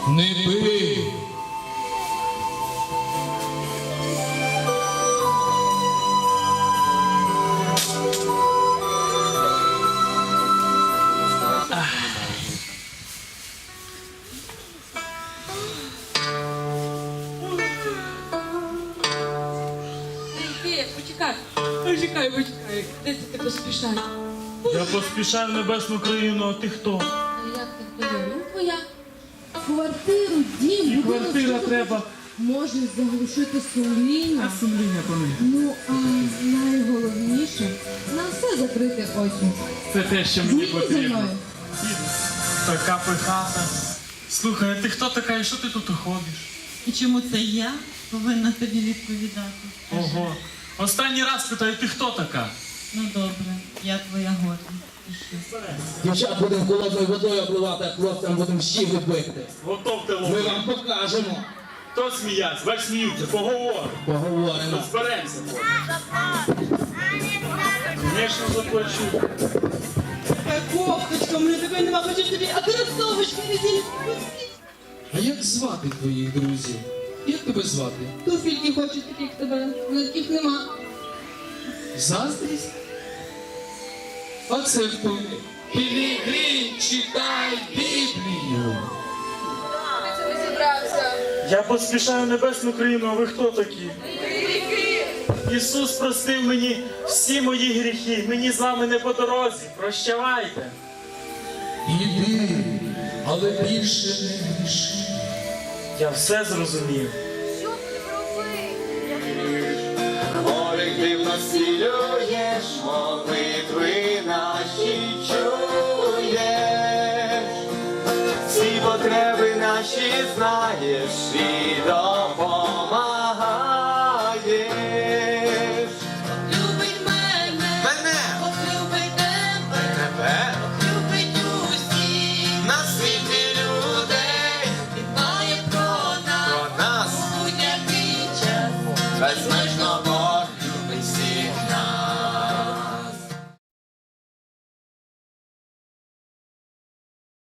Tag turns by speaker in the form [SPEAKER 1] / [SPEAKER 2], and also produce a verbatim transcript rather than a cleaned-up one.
[SPEAKER 1] Не пий.
[SPEAKER 2] Почекай, почекай, почекай. Де це ти поспішаєш?
[SPEAKER 3] Я поспішаю в небесну країну, а ти хто?
[SPEAKER 2] А як ти твоя? Ну, твоя. Квартиру, дім,
[SPEAKER 3] І
[SPEAKER 2] будинок,
[SPEAKER 3] квартира
[SPEAKER 2] що ти
[SPEAKER 3] треба.
[SPEAKER 2] Можеш заглушити сумління.
[SPEAKER 3] А сумління то не.
[SPEAKER 2] Ну, а найголовніше, на все закрити очі.
[SPEAKER 3] Це те, що мені
[SPEAKER 2] Змій зі
[SPEAKER 3] потрібно.
[SPEAKER 2] мною.
[SPEAKER 3] Така пихата. Слухай, а ти хто така і що ти тут ходиш?
[SPEAKER 4] І чому це я повинна тобі відповідати? Скажи.
[SPEAKER 3] Ого. Останній раз питаю, ти хто така?
[SPEAKER 4] Ну добре, я твоя горда. Пішли.
[SPEAKER 1] Дівчат будемо холодною водою обливати, а хлопцям будемо щі бити.
[SPEAKER 3] Готовте
[SPEAKER 1] Ми
[SPEAKER 3] ловити.
[SPEAKER 1] вам покажемо.
[SPEAKER 3] Хто сміявся? Бач, сміються, поговоримо.
[SPEAKER 1] Поговоримо.
[SPEAKER 3] Розберемося. Звісно, заплачу.
[SPEAKER 4] Така кофточка, мене такої нема, хочеш тобі, а кросовочки не зі.
[SPEAKER 1] А як звати твоїх друзів? Як тебе звати?
[SPEAKER 2] Туфельки хочуть таких тебе, але таких нема.
[SPEAKER 1] Заздрість? А це хто? Пілігрим, читай Біблію.
[SPEAKER 2] Ти це не зібрався.
[SPEAKER 3] Я поспішаю в небесну країну, а ви хто такі? Ісус простив мені всі мої гріхи. Мені з вами не по дорозі. Прощавайте.
[SPEAKER 1] Іди, але більше не гріши.
[SPEAKER 3] Я все зрозумів.
[SPEAKER 5] Колективно зцілюєш, молитви наші чуєш, всі потреби наші знаєш і допомагаєш.
[SPEAKER 4] Любить мене,
[SPEAKER 5] Мене,
[SPEAKER 4] любить тебе,
[SPEAKER 5] тебе,
[SPEAKER 4] любить усіх,
[SPEAKER 5] на світі людей,
[SPEAKER 4] і має про нас,
[SPEAKER 5] про нас
[SPEAKER 4] будь-який час,
[SPEAKER 5] безмежно